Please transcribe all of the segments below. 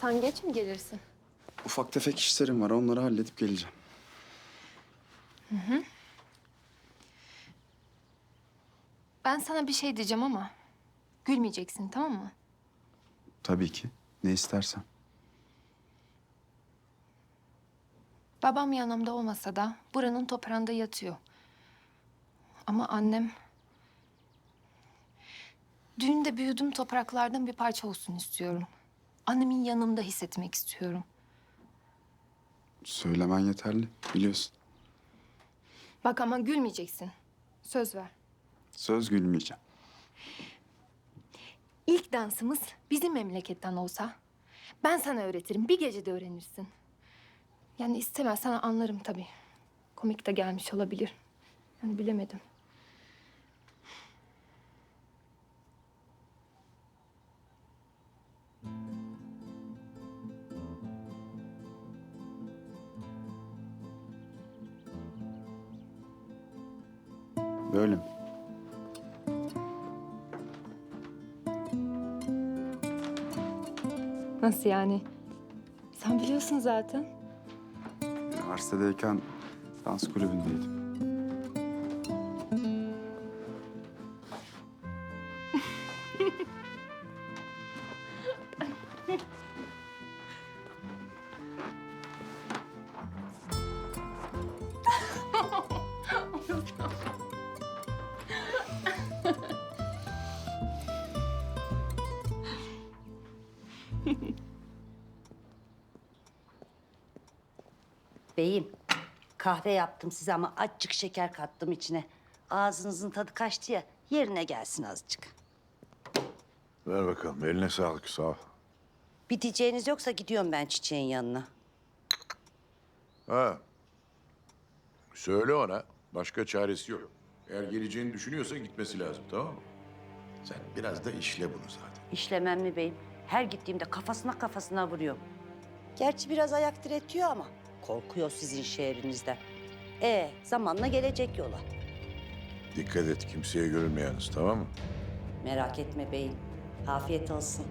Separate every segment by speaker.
Speaker 1: Sen geç mi gelirsin?
Speaker 2: Ufak tefek işlerim var. Onları halledip geleceğim.
Speaker 1: Ben sana bir şey diyeceğim ama gülmeyeceksin, tamam mı?
Speaker 2: Tabii ki. Ne istersen.
Speaker 1: Babam yanımda olmasa da buranın toprağında yatıyor. Ama annem... Düğünde büyüdüğüm topraklardan bir parça olsun istiyorum. Annemin yanımda hissetmek istiyorum.
Speaker 2: Söylemen yeterli. Biliyorsun.
Speaker 1: Bak ama gülmeyeceksin. Söz ver.
Speaker 2: Söz gülmeyeceğim.
Speaker 1: İlk dansımız bizim memleketten olsa ben sana öğretirim. Bir gecede öğrenirsin. Yani istemezsen anlarım tabii. Komik de gelmiş olabilir. Yani bilemedim.
Speaker 2: Böyle mi?
Speaker 1: Nasıl yani? Sen biliyorsun zaten.
Speaker 2: Üniversitedeyken dans kulübündeydim.
Speaker 3: Beyim, kahve yaptım size ama azıcık şeker kattım içine. Ağzınızın tadı kaçtı ya, yerine gelsin azıcık.
Speaker 4: Ver bakalım. Eline sağlık. Sağ ol.
Speaker 3: Bir diyeceğiniz yoksa gidiyorum ben çiçeğin yanına.
Speaker 4: Ha. Söyle ona. Başka çaresi yok. Eğer geleceğini düşünüyorsa gitmesi lazım. Tamam mı? Sen biraz da işle bunu zaten.
Speaker 3: İşlemem mi beyim? Her gittiğimde kafasına vuruyorum. Gerçi biraz ayak diretiyor ama korkuyor sizin şehrinizden. Zamanla gelecek yola.
Speaker 4: Dikkat et. Kimseye görünmeyeniz. Tamam mı?
Speaker 3: Merak etme beyim. Afiyet olsun.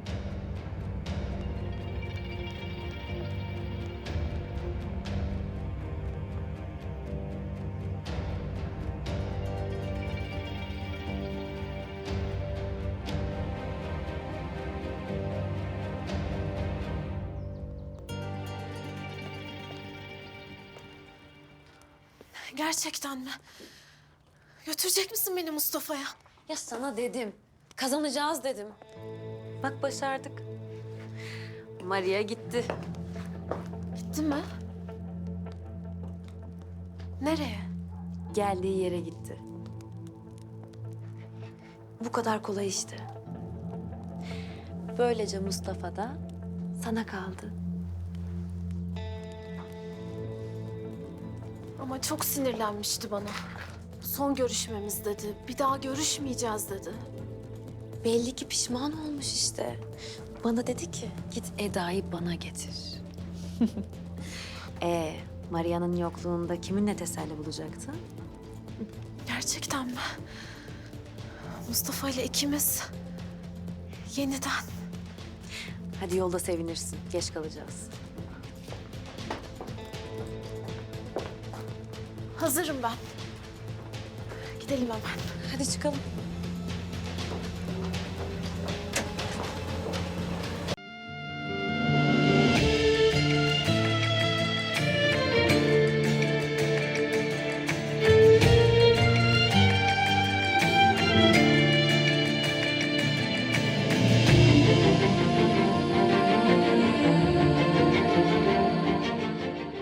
Speaker 5: Gerçekten mi? Götürecek misin beni Mustafa'ya?
Speaker 6: Ya sana dedim. Kazanacağız dedim. Bak başardık. Maria gitti.
Speaker 5: Gitti mi? Nereye?
Speaker 6: Geldiği yere gitti. Bu kadar kolay işte. Böylece Mustafa da sana kaldı.
Speaker 5: Ama çok sinirlenmişti bana. Son görüşmemiz dedi. Bir daha görüşmeyeceğiz dedi.
Speaker 6: Belli ki pişman olmuş işte. Bana dedi ki git Eda'yı bana getir. Maria'nın yokluğunda kiminle teselli bulacaktı?
Speaker 5: Gerçekten mi? Mustafa ile ikimiz yeniden.
Speaker 6: Hadi yolda sevinirsin. Geç kalacağız.
Speaker 5: Hazırım ben. Gidelim hemen.
Speaker 6: Hadi çıkalım.